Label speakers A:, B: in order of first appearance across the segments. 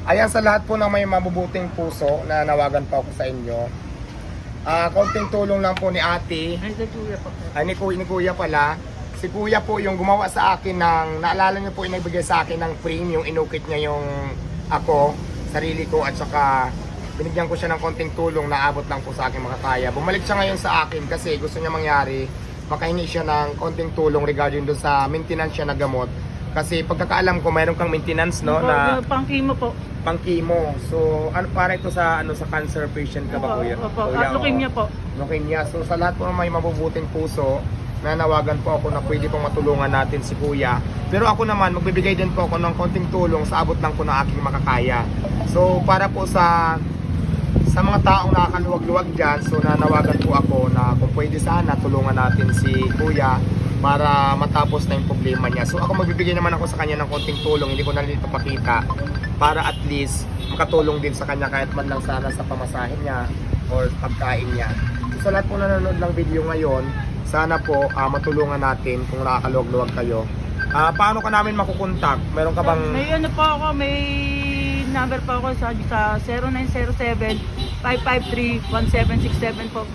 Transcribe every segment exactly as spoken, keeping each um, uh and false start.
A: Ayan, sa lahat po ng may mabubuting puso na nawagan po ako sa inyo. Ah, konting tulong lang po ni ate.
B: Ay, kay Kuya po.
A: Ay, ni kuya, ni kuya pala. Si kuya po yung gumawa sa akin ng, naalala niyo po yung nagbigay sa akin ng frame, yung inukit niya yung ako, sarili ko, at saka binigyan ko siya ng konting tulong na abot lang po sa akin makakaya. Bumalik siya ngayon sa akin kasi gusto niya mangyari, makahingi siya ng konting tulong regarding doon sa maintenance siya na gamot. Kasi pagkakaalam ko, mayroon kang maintenance, no, na
B: Pang-chemo po.
A: pang-chemo. So, ano para ito sa ano sa cancer patient ka ba,
B: Opo,
A: kuya?
B: opo.
A: Kuya,
B: At leukemia
A: oo.
B: po.
A: Leukemia. So, sa lahat po ng may mabubuting puso, nanawagan po ako na pwede pong matulungan natin si kuya. Pero ako naman, magbibigay din po ako ng konting tulong sa abot lang po ng aking makakaya. So, para po sa sa mga taong nakakaluwag-luwag dyan, so nanawagan po ako na kung pwede sana tulungan natin si kuya para matapos na yung problema niya. So ako magbibigay naman ako sa kanya ng konting tulong, hindi ko na dito pakita, para at least makatulong din sa kanya kahit man lang sana sa pamasahin niya or pagkain niya. So sa lahat po nanonood ng video ngayon, sana po uh, matulungan natin kung nakakaluwag-luwag kayo. Uh, paano ka namin makukontak? Meron ka bang...
B: May ano po ako, may number po ako sa, sa zero nine zero seven, five five three, one seven six seven po.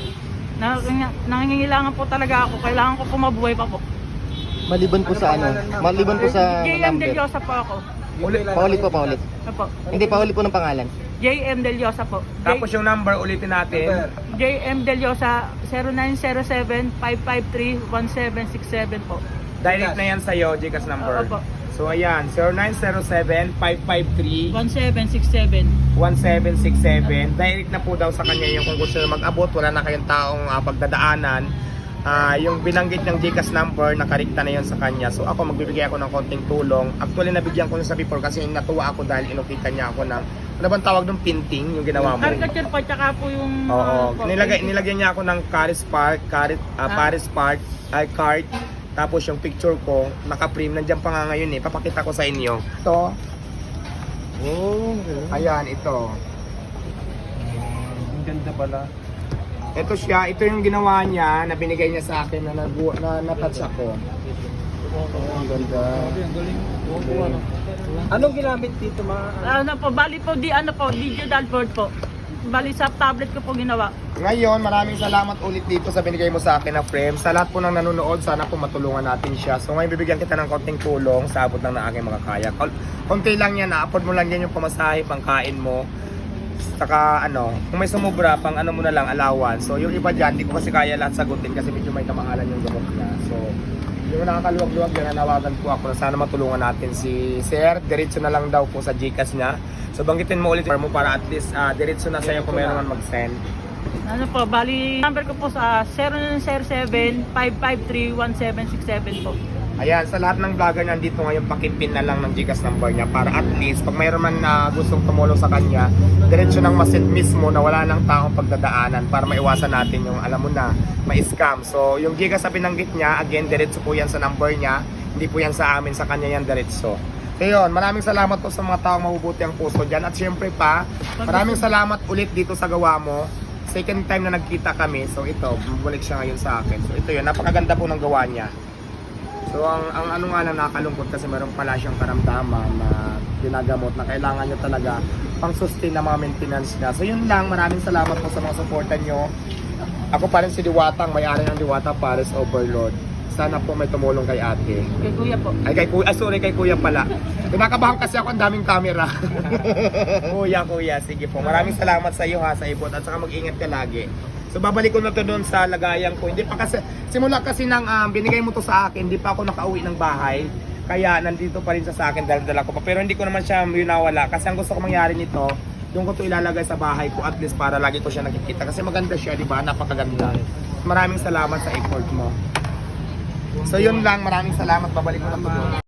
B: Nangingailangan po talaga ako. Kailangan ko po mabuhay pa po.
C: Maliban po sa ano? Maliban po sa
B: J M
C: number.
B: Deliosa po ako.
A: Ulit,
C: Paulit po, paulit.
B: Apo.
C: Hindi, paulit po ng pangalan.
B: J M Deliosa po. J-
A: tapos yung number ulitin natin.
B: J M Deliosa zero nine zero seven, five five three, one seven six seven po.
A: Direct na yan sa'yo, Gcash number.
B: Opo.
A: So ayan, zero nine zero seven, five five three,
B: one seven six seven.
A: one seven six seven. Direct na po daw sa kanya yung kung gusto nyo mag-abot, wala na kayong taong uh, pagdadaanan. Uh, yung binanggit ng Gcash number, nakarikta na yun sa kanya. So ako magbibigay ako ng konting tulong. Actually nabigyan ko na sa before kasi natuwa ako dahil inukita niya ako ng, ano bang tawag ng painting yung ginawa mo?
B: Caricature po, tsaka po yung...
A: Oo,
B: ano po,
A: nilagay,
B: painting.
A: nilagyan niya ako ng Paris Park, Paris, uh,
B: Ah.
A: Paris Park, ay card. Tapos yung picture ko, naka-frame, nandiyan pa nga ngayon eh. Papakita ko sa inyo. Ito,
C: Oh,
A: ayan, ito.
C: ang ganda pala.
A: Ito siya, ito yung ginawa niya na binigay niya sa akin na, nagu- na natouch ako.
C: Oh, ang ganda.
D: Anong ginamit dito, mga
B: Ano po, bali po, di ano po, digital board po. Bali sa tablet ko po ginawa.
A: Ngayon, maraming salamat ulit dito sa binigay mo sa akin na frame. Sa lahat po ng nanonood, sana po matulungan natin siya. So ngayon, bibigyan kita ng konting tulong sa abot lang ng aking makakaya. Kol- Konti lang yan, na-afford mo lang yan yung pamasahe, pangkain mo. Saka ano, kung may sumubra, pang ano mo na lang, allowance. So yung iba dyan, di ko kasi kaya lahat sagutin kasi medyo may kamahalan yung gamot niya. So yung nakakaluwag-luwag yan, nanawagan po ako na sana matulungan natin si Sir. Diretso na lang daw po sa Gcash niya. So banggitin mo ulit mo para at least uh, diretso na sa'yo kung meron man mag-send.
B: Ano po, bali number ko po sa zero nine zero seven, five five three, one seven six seven po.
A: Ayan, sa lahat ng vlogger nandito ngayon, pakipin na lang ng Gcash number niya para at least pag mayroon man na gustong tumulong sa kanya, diretso nang masend mismo na wala nang taong pagdadaanan para maiwasan natin yung alam mo na, ma-scam. So yung Gcash na binanggit niya, again, diretso po yan sa number niya, hindi po yan sa amin, sa kanya yan diretso. So yun, maraming salamat po sa mga taong mabubuti ang puso dyan. At syempre pa, maraming salamat ulit dito sa gawa mo. Second time na nagkita kami, so ito, bumalik siya ngayon sa akin. So ito yun, napakaganda po ng gawa niya. So ang, ang ano nga lang nakakalungkot kasi meron pala siyang karamdaman na ginagamot na kailangan niya talaga pang sustain na mga maintenance niya. So yun lang, maraming salamat po sa mga supportan nyo. Ako pa rin si Diwatang, may-ari ng Diwata Paris Overload. Sana po may tumulong kay ate.
B: Kay Kuya po.
A: Ay kay kuya, ah, sorry kay kuya pala. Kinakabahan kasi ako, ang daming camera. Kuya, kuya, sige po. Maraming salamat sa iyo ha, sa ibot at saka mag-ingat ka lagi. So babalik ko na to doon sa lagayan ko. Hindi pa kasi simula kasi nang um, binigay mo to sa akin, hindi pa ako nakauwi ng bahay. Kaya nandito pa rin siya sa akin, dala-dala ko pa. Pero hindi ko naman siya nawala kasi ang gusto ko mangyari nito, doon ko to ilalagay sa bahay ko at least para lagi ko siya nakikita kasi maganda siya, di ba? Napakaganda. Maraming salamat sa effort mo. So yun lang, maraming salamat. Babalik ko na to doon.